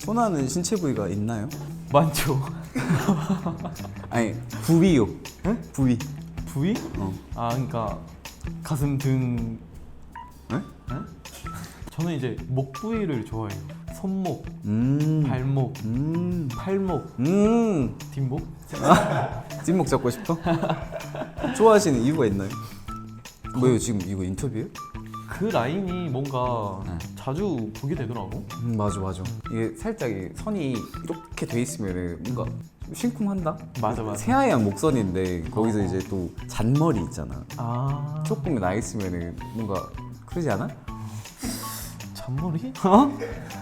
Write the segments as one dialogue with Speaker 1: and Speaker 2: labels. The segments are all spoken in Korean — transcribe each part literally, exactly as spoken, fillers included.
Speaker 1: 선호하는 신체 부위가 있나요?
Speaker 2: 많죠.
Speaker 1: 아니 부위요.
Speaker 2: 응?
Speaker 1: 부위.
Speaker 2: 부위?
Speaker 1: 어.
Speaker 2: 아 그러니까 가슴 등.
Speaker 1: 네?
Speaker 2: 응? 저는 이제 목 부위를 좋아해요. 손목,
Speaker 1: 음.
Speaker 2: 발목,
Speaker 1: 음.
Speaker 2: 팔목,
Speaker 1: 음.
Speaker 2: 뒷목.
Speaker 1: 찐목 잡고 싶어? 좋아하시는 이유가 있나요? 뭐예요 지금 이거 인터뷰예요?
Speaker 2: 그 라인이 뭔가
Speaker 1: 네.
Speaker 2: 자주 보게 되더라고.
Speaker 1: 음 맞아 맞아. 이게 살짝 이 선이 이렇게 돼 있으면 뭔가 좀 심쿵한다?
Speaker 2: 맞아 맞아.
Speaker 1: 새하얀 목선인데 거기서
Speaker 2: 어.
Speaker 1: 이제 또 잔머리 있잖아.
Speaker 2: 아
Speaker 1: 조금 나 있으면 뭔가 그러지 않아?
Speaker 2: 잔머리?
Speaker 1: 어?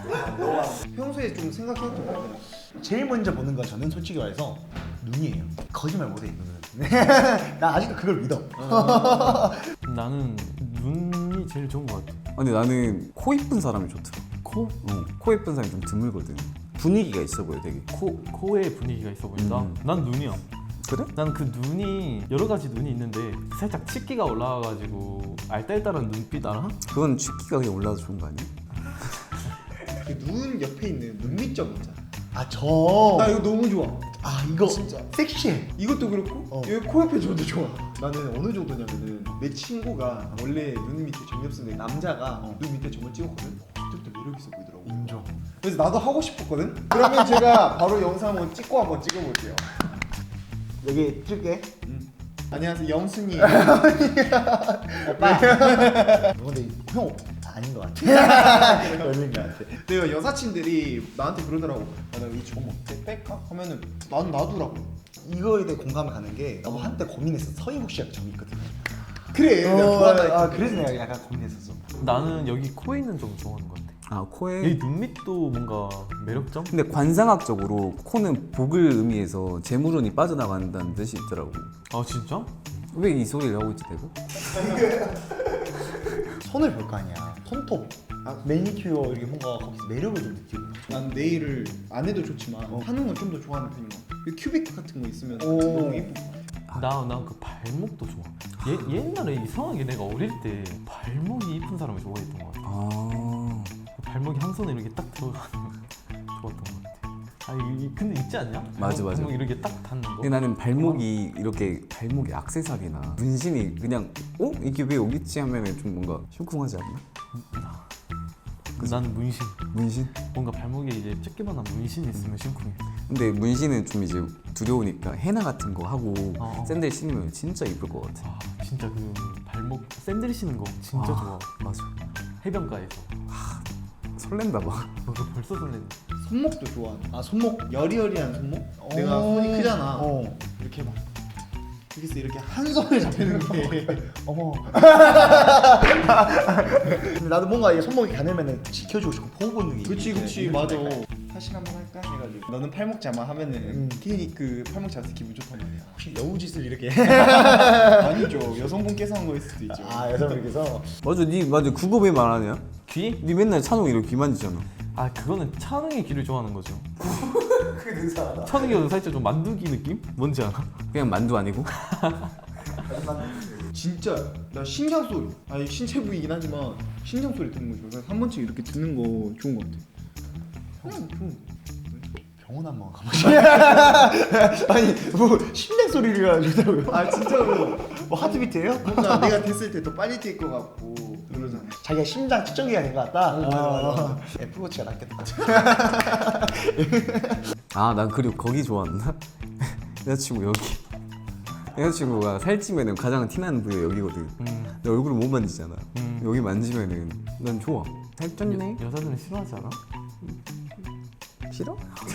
Speaker 3: 평소에 좀 생각해도 제일 먼저 보는 건 저는 솔직히 말해서 눈이에요. 거짓말 못해 눈은. 나 아직도 그걸 믿어.
Speaker 2: 나는 눈이 제일 좋은 것 같아.
Speaker 1: 근데 나는 코 이쁜 사람이 좋더라.
Speaker 2: 코?
Speaker 1: 어, 코 이쁜 사람이 좀 드물거든. 분위기가 있어 보여 되게.
Speaker 2: 코, 코에 분위기가 있어 보인다?
Speaker 1: 음.
Speaker 2: 난 눈이야.
Speaker 1: 그래?
Speaker 2: 난 그 눈이 여러 가지 눈이 있는데 살짝 치기가 올라와가지고 알딸딸한 눈빛 알아?
Speaker 1: 그건 취기가 그냥 올라와도 좋은 거 아니야?
Speaker 3: 그 눈 옆에 있는 눈밑점 있잖아. 아 저.
Speaker 4: 나 이거 너무 좋아.
Speaker 3: 아 이거
Speaker 4: 진짜.
Speaker 3: 섹시해.
Speaker 4: 이것도 그렇고
Speaker 3: 어.
Speaker 4: 여기 코 옆에 줘도 좋아. 나는 어느 정도냐면은 내 친구가 원래 눈 밑에 점이 없었는데 남자가
Speaker 3: 어.
Speaker 4: 눈 밑에 점을 찍었거든. 그때부터 매력 있어 보이더라고.
Speaker 3: 인정.
Speaker 4: 그래서 나도 하고 싶었거든. 그러면 제가 바로 영상 한번 찍고 한번 찍어볼게요.
Speaker 3: 여기 찍게.
Speaker 4: 안녕하세요 영순이.
Speaker 3: 오빠. 근데 형 아닌 것 같아. 걸린 것 같아.
Speaker 4: 내가 여사친들이 나한테 그러더라고. 아, 나이 점 어때? 뺄까? 하면은 난 놔두라고.
Speaker 3: 이거에 대해 공감이 가는 게 나도 한때 고민했어. 서인국 씨가 점이 있거든.
Speaker 4: 그래. 내가
Speaker 3: 어,
Speaker 4: 좋아한다.
Speaker 3: 아 그래서 내가 약간 고민했었어.
Speaker 2: 나는 여기 코에 있는 점 좋아하는 것 같아.
Speaker 1: 아 코에.
Speaker 2: 여기 눈밑도 뭔가 매력점?
Speaker 1: 근데 관상학적으로 코는 복을 의미해서 재물운이 빠져나간다는 뜻이 있더라고.
Speaker 2: 아 진짜?
Speaker 1: 왜 이 소리를 하고 있지 내가?
Speaker 3: 손을 볼 거 아니야. 손톱. 아, 매니큐어 이렇게 뭔가 거기서 매력을 좀 느끼고.
Speaker 4: 난 네일을 안 해도 좋지만
Speaker 3: 어.
Speaker 4: 하는 건 좀 더 좋아하는 편인 것 같아. 그 큐빅 같은 거 있으면
Speaker 3: 오.
Speaker 4: 너무 예쁜 것 같아.
Speaker 2: 나 난 그 발목도 좋아. 예, 옛날에 이상하게 내가 어릴 때 발목이 이쁜 사람을 좋아했던 것 같아.
Speaker 1: 아.
Speaker 2: 그 발목이 한 손에 이렇게 딱 들어가는 좋았던 것 같아. 아 이, 근데 있지 않냐?
Speaker 1: 맞아, 맞아.
Speaker 2: 발목 이렇게 딱 닿는 거.
Speaker 1: 근데 나는 발목이 이렇게 발목에 액세서리나 문신이 그냥 어? 이게 왜 여기 있지 하면은 좀 뭔가 심쿵하지 않나?
Speaker 2: 나는 문신.
Speaker 1: 문신?
Speaker 2: 뭔가 발목에 이제 쬐끼만한 문신이 있으면 심쿵해.
Speaker 1: 근데 문신은 좀 이제 두려우니까 헤나 같은 거 하고
Speaker 2: 어.
Speaker 1: 샌들 신으면 진짜 이쁠 것 같아.
Speaker 2: 아 진짜 그 발목 샌들 신는 거 진짜
Speaker 1: 아,
Speaker 2: 좋아.
Speaker 1: 맞아.
Speaker 2: 해변가에서.
Speaker 1: 설렌다 막.
Speaker 2: 어, 그 벌써 설레네.
Speaker 4: 손목도 좋아.
Speaker 3: 아 손목.
Speaker 4: 여리여리한 손목?
Speaker 3: 어.
Speaker 4: 내가 손이 크잖아.
Speaker 3: 어.
Speaker 4: 이렇게 막 여기서 이렇게 한 손에 잡히는 게
Speaker 3: 어머. 근데 나도 뭔가 이 손목이 가늘면은 지켜주고 싶고 보호 본능이.
Speaker 4: 그치
Speaker 3: 있는데
Speaker 4: 그치
Speaker 3: 이런
Speaker 4: 맞아.
Speaker 3: 거
Speaker 4: 사실 한번 할까 해가지고 너는 팔목 자마 하면은
Speaker 3: 음.
Speaker 4: 괜히 그 팔목 자세 기분 좋단 말이야.
Speaker 3: 혹시 여우짓을 이렇게.
Speaker 4: 아니죠. 여성분께서 한 거일 수도 있죠.
Speaker 3: 아 여성분께서.
Speaker 1: 맞아, 니 맞아. 그거 왜 말하냐?
Speaker 2: 귀?
Speaker 1: 니 맨날 찬홍 이렇게 귀 만지잖아.
Speaker 2: 아 그거는 찬웅의 귀를 좋아하는 거죠.
Speaker 3: 그게 능사하다.
Speaker 2: 찬웅이 살짝 좀 만두기 느낌? 뭔지 알아?
Speaker 1: 그냥 만두 아니고?
Speaker 4: 진짜 나 심장 소리. 아니 신체 부위이긴 하지만 심장 소리 듣는 거 좋아. 그래서 한 번씩 이렇게 듣는 거 좋은 거 같아. 그냥 좀
Speaker 3: 병원 한번 가보시. 아니 뭐 심장 소리가 좋다고요?
Speaker 4: 아 진짜로
Speaker 3: 뭐 하트비트예요?
Speaker 4: 뭔가 내가 됐을 때 더 빨리 뛸 것 같고 그러잖아.
Speaker 3: 자기가 심장 측정기가 된 것 같다.
Speaker 4: 어, 맞아, 맞아.
Speaker 3: 어. 애플워치가 낫겠다.
Speaker 1: 아, 난 그리고 거기 좋아한다. 여자친구 여기. 여자친구가 살찌면은 가장 티나는 부위가 여기거든.
Speaker 2: 음.
Speaker 1: 내 얼굴을 못 만지잖아.
Speaker 2: 음.
Speaker 1: 여기 만지면은 난 좋아. 살쪘네.
Speaker 2: 여, 여자들은 싫어하지 않아?
Speaker 1: 싫어?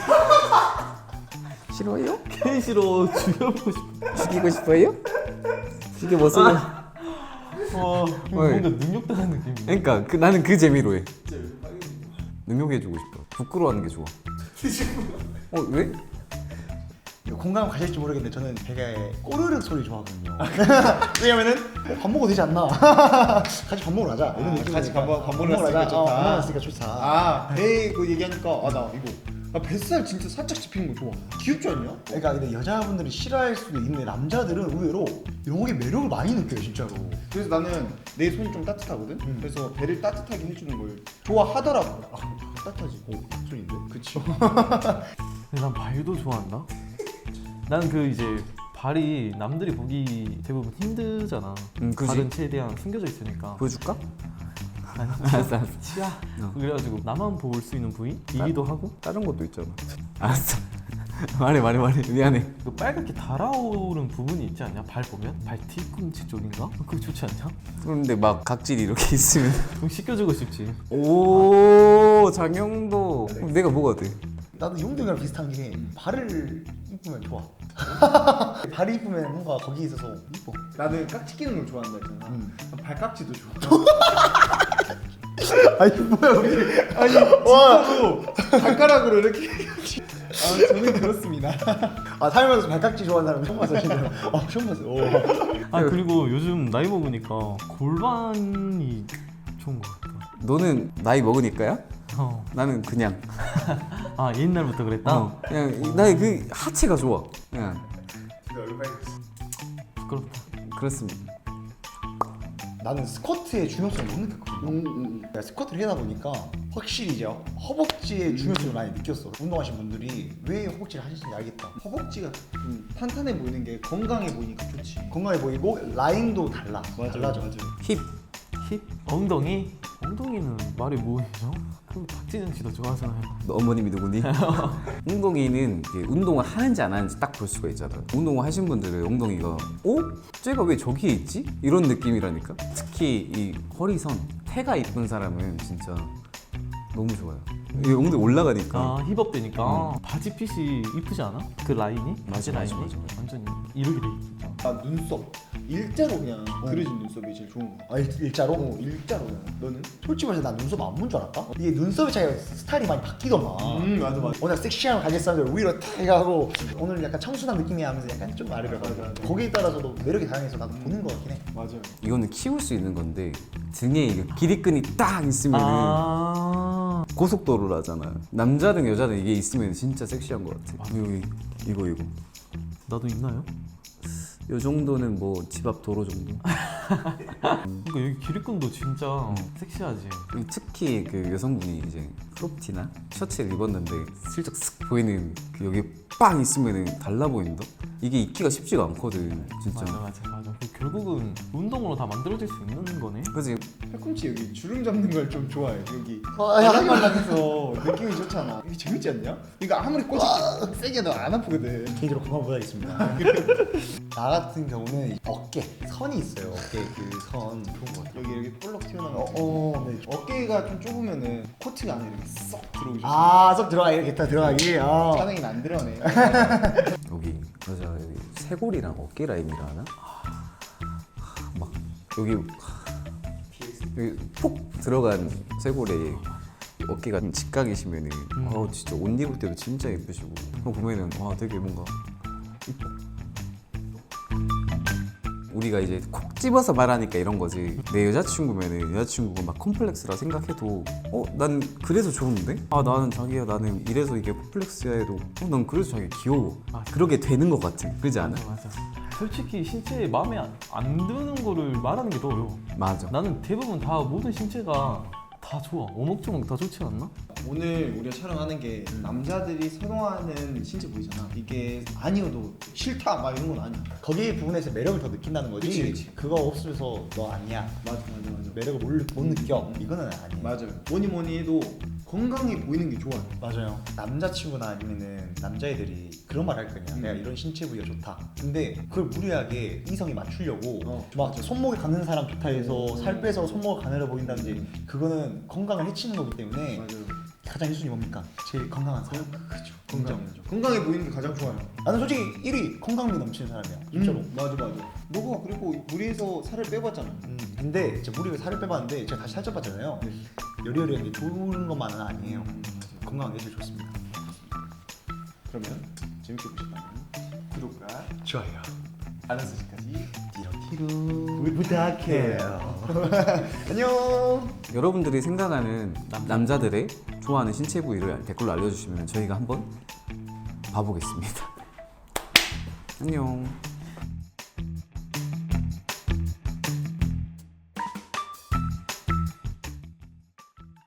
Speaker 1: 싫어요?
Speaker 2: 괜히 싫어. 죽여보고 싶어.
Speaker 1: 죽이고 싶어요? 죽여 못 쓰려.
Speaker 2: 와 뭔가 능욕당한 느낌이야.
Speaker 1: 그러니까 그, 나는 그 재미로 해. 능욕해주고 싶어. 부끄러워하는 게 좋아. 어 왜?
Speaker 3: 이거 공감 가실지 모르겠는데 저는 되게 꼬르륵 소리 좋아하거든요. 왜냐면은 어, 밥 먹어도 되지 않나? 같이 밥 먹으러 가자. 이런
Speaker 4: 아,
Speaker 3: 느낌.
Speaker 4: 같이 밥 먹- 밥 먹으러 갔으니까 좋다.
Speaker 3: 어, 밥 먹으러 갔으니까 좋다.
Speaker 4: 아, 배 그 얘기하니까 아 나 이거 나 뱃살 진짜 살짝 씹히는 거 좋아. 귀엽지 않냐?
Speaker 3: 그러니까 근데 여자분들이 싫어할 수도 있는데 남자들은 의외로 이런 게 매력을 많이 느껴요 진짜로.
Speaker 4: 그래서 나는 내 손이 좀 따뜻하거든.
Speaker 3: 음.
Speaker 4: 그래서 배를 따뜻하게 해주는 걸 좋아하더라고. 따뜻하지. 오, 손인데? 그치.
Speaker 2: 근데 난 발도 좋아한다. 난 그 이제 발이 남들이 보기 대부분 힘들잖아.
Speaker 1: 음, 그지.
Speaker 2: 발은 최대한 숨겨져 있으니까.
Speaker 1: 보여줄까?
Speaker 2: 아니,
Speaker 1: 알았어 알았어.
Speaker 2: 치아.
Speaker 1: 어.
Speaker 2: 그래가지고 나만 볼 수 있는 부위이기도 하고.
Speaker 1: 다른 것도 있잖아. 알았어. 말해 말해 말해. 미안해.
Speaker 2: 그 빨갛게 달아오른 부분이 있지 않냐? 발 보면? 발 뒤꿈치 쪽인가? 그거 좋지 않냐?
Speaker 1: 그런데 막 각질이 이렇게 있으면
Speaker 2: 그럼 씻겨주고 싶지.
Speaker 1: 오 장영도. 그럼 내가 뭐가 돼?
Speaker 3: 나도 용동이랑 비슷한 게 발을 이쁘면 좋아. 발이 이쁘면 뭔가 거기에 있어서 이뻐.
Speaker 4: 나는 깍지 끼는 걸 좋아한다 했잖아.
Speaker 3: 음.
Speaker 4: 난 발깍지도 좋아.
Speaker 3: 아니 뭐야 우리.
Speaker 4: 아니 진짜로 발가락으로 이렇게. 아 저는 그렇습니다.
Speaker 3: 아 살면서 발깍지 좋아하는 사람 처음 봤어 진짜. 아 처음 봤어. 오.
Speaker 2: 아 그리고 요즘 나이 먹으니까 골반이 좋은 것 같다.
Speaker 1: 너는 나이 먹으니까야?
Speaker 2: 어.
Speaker 1: 나는 그냥.
Speaker 2: 아 옛날부터 그랬다?
Speaker 1: 어, 그냥 나의 그 하체가 좋아. 그냥
Speaker 2: 부끄럽다.
Speaker 1: 그렇습니다.
Speaker 3: 나는 스쿼트의 중요성을 못 느꼈거든.
Speaker 4: 음, 음.
Speaker 3: 내가 스쿼트를 하다 보니까 확실히 이제 허벅지의 중요성을 많이 느꼈어. 운동하신 분들이 왜 허벅지를 하시는지 알겠다.
Speaker 4: 허벅지가 좀 탄탄해 보이는 게 건강해 보이니까 좋지.
Speaker 3: 건강해 보이고 라인도 달라. 달라져.
Speaker 4: 맞아.
Speaker 1: 힙.
Speaker 2: 힙? 엉덩이? 엉덩이는 말이 뭐예요? 그럼 박지정 씨도 좋아하잖아요.
Speaker 1: 너 어머님이 누구니? 엉덩이는 이게 운동을 하는지 안 하는지 딱 볼 수가 있잖아. 운동을 하신 분들은 엉덩이가 어? 쟤가 왜 저기에 있지? 이런 느낌이라니까. 특히 이 허리선, 태가 이쁜 사람은 진짜 너무 좋아요. 이 엉덩이 올라가니까.
Speaker 2: 아 힙업 되니까
Speaker 1: 어.
Speaker 2: 바지 핏이 이쁘지 않아? 그 라인이? 바지
Speaker 1: 맞아,
Speaker 2: 라인이?
Speaker 1: 맞아, 맞아.
Speaker 2: 완전히 이렇게 돼 있어.
Speaker 4: 나 눈썹 일자로 그냥 그려진 눈썹이 제일 좋은 거.
Speaker 3: 아 일, 일자로?
Speaker 4: 어 일자로 그냥. 너는?
Speaker 3: 솔직히 말해서 난 눈썹 안 본 줄 알았다? 이게 눈썹의 차이가 스타일이 많이 바뀌더만.
Speaker 4: 음 맞아 맞아.
Speaker 3: 오늘 섹시함을 가진 사람들 위로 탁 해가고 오늘 약간 청순한 느낌이야 하면서 약간 좀 아래로
Speaker 4: 맞아,
Speaker 3: 가고
Speaker 4: 맞아.
Speaker 3: 거기에 따라서도 매력이 다양해서 나도 보는 거 같긴 해.
Speaker 4: 맞아요.
Speaker 1: 이거는 키울 수 있는 건데 등에 이 길이끈이 딱 있으면은
Speaker 2: 아
Speaker 1: 고속도로라잖아. 남자든 여자든 이게 있으면 진짜 섹시한 것 같아. 여기 이거 이거.
Speaker 2: 나도 있나요?
Speaker 1: 요 정도는 뭐 집 앞 도로 정도.
Speaker 2: 그러니까 여기 길이끈도 진짜 섹시하지.
Speaker 1: 그리고 특히 그 여성분이 이제 크롭티나 셔츠를 입었는데 슬쩍 쓱 보이는 그 여기 빵 있으면은 달라 보인다. 이게 입기가 쉽지가 않거든, 진짜.
Speaker 2: 맞아 맞아 맞아. 그 결국은 운동으로 다 만들어질 수 있는 거네.
Speaker 1: 그지?
Speaker 4: 팔꿈치 여기 주름 잡는 걸 좀 좋아해. 여기
Speaker 3: 아, 야,
Speaker 4: 말랑말랑해서 느낌이 좋잖아. 이게 재밌지 않냐? 이거 아무리 꼬치 세게 해도 안 아프거든.
Speaker 3: 개인적으로 건강 보다겠습니다. 나 같은 경우는 어깨 선이 있어요. 어깨 그 선 좋은 거 같아.
Speaker 4: 여기 이렇게 볼록 튀어나온
Speaker 3: 어,
Speaker 4: 거.
Speaker 3: 어, 네.
Speaker 4: 어깨가 좀 좁으면은 코트가 안에 이렇게 쏙 들어오기 좋아.
Speaker 3: 아, 쏙 들어가 이렇게 딱 들어가기. 아.
Speaker 4: 차능이는 안 들어가네.
Speaker 1: 여기 맞아 여기 쇄골이랑 어깨 라인이라 하나? 막 여기 여기 푹 들어간 쇄골에 어깨가 좀 직각이시면은
Speaker 2: 음.
Speaker 1: 아 진짜 옷 입을 때도 진짜 예쁘시고 그거 보면은 와 되게 뭔가 이뻐. 우리가 이제 콕 집어서 말하니까 이런 거지. 내 여자친구면은 여자친구가 막 콤플렉스라 생각해도 어? 난 그래서 좋은데? 아 나는 자기야 나는 이래서 이게 콤플렉스야 해도 어? 난 그래서 자기 귀여워.
Speaker 2: 아,
Speaker 1: 그러게 되는 것 같아. 그렇지 않아?
Speaker 2: 맞아 맞아. 솔직히 신체에 마음에 안, 안 드는 거를 말하는 게 더 어려워.
Speaker 1: 맞아.
Speaker 2: 나는 대부분 다 모든 신체가 다 좋아. 오목조목 다 좋지 않나?
Speaker 4: 오늘 우리가 촬영하는 게 남자들이 선호하는 신체 부위잖아. 이게 아니어도 싫다 막 이런 건 아니야.
Speaker 3: 거기 부분에서 매력을 더 느낀다는 거지.
Speaker 4: 그치, 그치.
Speaker 3: 그거 없으면서 너 아니야.
Speaker 4: 맞아 맞아 맞아.
Speaker 3: 매력을 못, 못 느껴. 이거는 아니야.
Speaker 4: 맞아요. 뭐니 뭐니 해도 건강해 보이는 게 좋아요.
Speaker 3: 맞아요. 남자친구나 아니면은 남자애들이 그런 말 할 거냐.
Speaker 4: 음.
Speaker 3: 내가 이런 신체 부위가 좋다. 근데 그걸 무리하게 이성이 맞추려고
Speaker 4: 어,
Speaker 3: 막
Speaker 4: 맞아.
Speaker 3: 손목에 가는 사람 좋다 해서
Speaker 4: 음.
Speaker 3: 살 빼서 손목을 가늘어 보인다든지
Speaker 4: 음.
Speaker 3: 그거는 건강을 해치는 거기 때문에
Speaker 4: 맞아요.
Speaker 3: 가장 일 순위 뭡니까? 제일 건강한 사람.
Speaker 4: 그렇죠.
Speaker 3: 건강.
Speaker 4: 건강이죠. 건강해 보이는 게 가장 좋아요.
Speaker 3: 나는 솔직히 일 위 건강미 넘치는 사람이야. 진짜로.
Speaker 4: 음, 맞아 맞아. 너가 그리고 무리해서 살을 빼봤잖아.
Speaker 3: 음, 근데 제가 무리를 살을 빼봤는데 제가 다시 살쪄 봤잖아요. 요리요리한 게 좋은 것만은 아니에요.
Speaker 4: 음, 맞아.
Speaker 3: 건강한 게 제일 좋습니다.
Speaker 4: 그러면 재밌게 보셨다면 구독과
Speaker 3: 좋아요.
Speaker 4: 알람 설정까지
Speaker 3: 티로 부탁해요.
Speaker 4: 안녕.
Speaker 1: 여러분들이 생각하는 남자들의 좋아하는 신체 부위를 댓글로 알려주시면 저희가 한번 봐보겠습니다. 안녕.